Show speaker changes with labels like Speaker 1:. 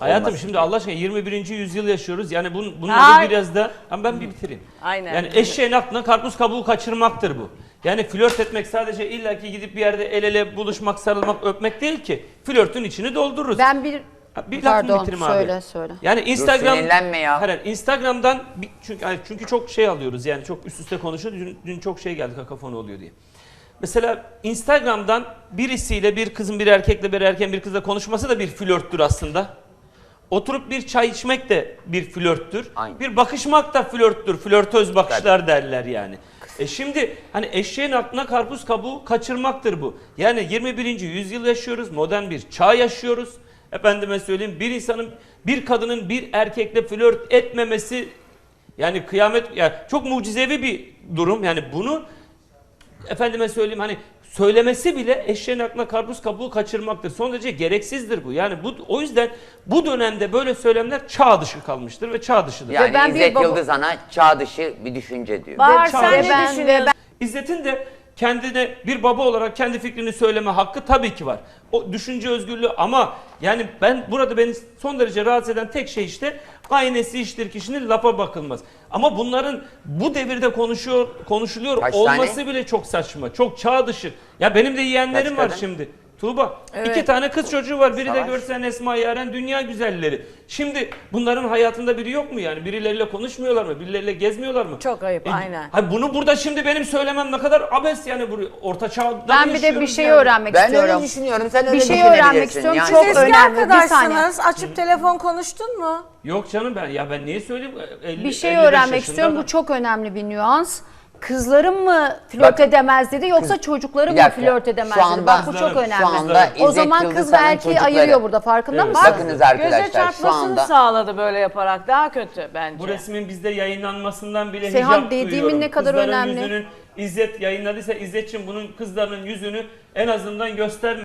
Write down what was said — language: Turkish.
Speaker 1: Hayatım şimdi Allah aşkına 21. yüzyıl yaşıyoruz. Yani bunun
Speaker 2: Ay.
Speaker 1: biraz da ama ben bir bitireyim.
Speaker 2: Aynen.
Speaker 1: Yani eşeğin aklına karpuz kabuğu kaçırmaktır bu. Yani flört etmek sadece illaki gidip bir yerde el ele buluşmak, sarılmak, öpmek değil ki. Flörtün içini doldururuz.
Speaker 3: Ben
Speaker 1: Bir lafını
Speaker 3: pardon
Speaker 1: bitireyim
Speaker 3: söyle
Speaker 1: abi.
Speaker 3: söyle.
Speaker 1: Yani Instagram
Speaker 4: sinirlenme ya.
Speaker 1: Hayır, Instagram'dan çünkü çok şey alıyoruz yani çok üst üste konuşuyoruz. Dün çok şey geldi kakafonu oluyor diye. Mesela Instagram'dan birisiyle bir kızın bir erkekle bir erkeğin bir kızla konuşması da bir flörttür aslında. Oturup bir çay içmek de bir flörttür.
Speaker 4: Aynen.
Speaker 1: Bir bakışmak da flörttür. Flörtöz bakışlar derler yani. Şimdi hani eşeğin aklına karpuz kabuğu kaçırmaktır bu. Yani 21. yüzyıl yaşıyoruz. Modern bir çağ yaşıyoruz. Efendime söyleyeyim bir kadının bir erkekle flört etmemesi yani kıyamet yani çok mucizevi bir durum. Yani bunu efendime söyleyeyim hani söylemesi bile eşeğin aklına karpuz kabuğu kaçırmaktır. Son derece gereksizdir bu. Yani o yüzden bu dönemde böyle söylemler çağ dışı kalmıştır ve çağ dışıdır.
Speaker 4: Yani
Speaker 3: ben bir
Speaker 4: İzzet
Speaker 3: baba-
Speaker 4: Yıldız Ana çağ dışı bir düşünce diyor.
Speaker 2: Bahar
Speaker 1: Ve
Speaker 2: sen ne
Speaker 3: ben-
Speaker 2: düşünüyorsun?
Speaker 1: İzzet'in de kendine bir baba olarak kendi fikrini söyleme hakkı tabii ki var. O düşünce özgürlüğü ama yani beni son derece rahatsız eden tek şey işte aynesi iştir kişinin lafa bakılmaz. Ama bunların bu devirde konuşuluyor
Speaker 4: Kaç
Speaker 1: olması
Speaker 4: tane?
Speaker 1: bile çok saçma. Çok çağ dışı. Ya benim de yeğenlerim
Speaker 4: Kaç
Speaker 1: var
Speaker 4: kadın?
Speaker 1: şimdi. Tuğba.
Speaker 2: Evet.
Speaker 1: 2 tane kız çocuğu var. Biri de
Speaker 4: Savaş.
Speaker 1: görsen Esma Yaren dünya güzelleri. Şimdi bunların hayatında biri yok mu yani? Birileriyle konuşmuyorlar mı? Birileriyle gezmiyorlar mı?
Speaker 2: Çok ayıp, aynen.
Speaker 1: Hayır, bunu burada şimdi benim söylemem ne kadar abes yani bu orta çağda
Speaker 3: Ben bir de bir
Speaker 1: yaşıyoruz
Speaker 3: şey
Speaker 1: yani.
Speaker 3: öğrenmek
Speaker 4: Ben
Speaker 3: istiyorum.
Speaker 4: öyle düşünüyorum. Sen öyle
Speaker 3: Bir şey
Speaker 4: düşünebilirsin.
Speaker 3: öğrenmek istiyorum.
Speaker 4: Yani.
Speaker 3: Çok
Speaker 2: Siz eski
Speaker 3: önemli, bir saniye.
Speaker 2: arkadaşsınız. Açıp telefon konuştun mu?
Speaker 1: Yok canım ben niye söyleyeyim?
Speaker 3: Bir şey öğrenmek istiyorum. Bu çok önemli bir nüans. Kızlarım mı flört
Speaker 4: Bak,
Speaker 3: edemez dedi yoksa çocukları
Speaker 4: bir
Speaker 3: mı
Speaker 4: dakika,
Speaker 3: flört edemez
Speaker 4: şu
Speaker 3: dedi.
Speaker 4: anda-
Speaker 3: Bak bu çok
Speaker 1: Kızlarım,
Speaker 3: önemli.
Speaker 4: Şu anda
Speaker 3: O
Speaker 4: İzzet
Speaker 3: zaman
Speaker 4: Yıldız
Speaker 3: kız ve
Speaker 4: Han'ın
Speaker 3: erkeği
Speaker 4: çocukları.
Speaker 3: ayırıyor burada farkında
Speaker 1: Evet.
Speaker 3: mısın?
Speaker 4: Bakınız
Speaker 2: Göze
Speaker 4: arkadaşlar şu
Speaker 2: çarpmasını
Speaker 4: anda
Speaker 2: sağladı böyle yaparak. Daha kötü bence.
Speaker 1: Bu resmin bizde yayınlanmasından bile
Speaker 3: Seyhan,
Speaker 1: hicap
Speaker 3: dediğimin
Speaker 1: duyuyorum.
Speaker 3: ne kadar
Speaker 1: Kızların
Speaker 3: önemli.
Speaker 1: yüzünün İzzet yayınladıysa İzzet'ciğim bunun kızlarının yüzünü en azından gösterme.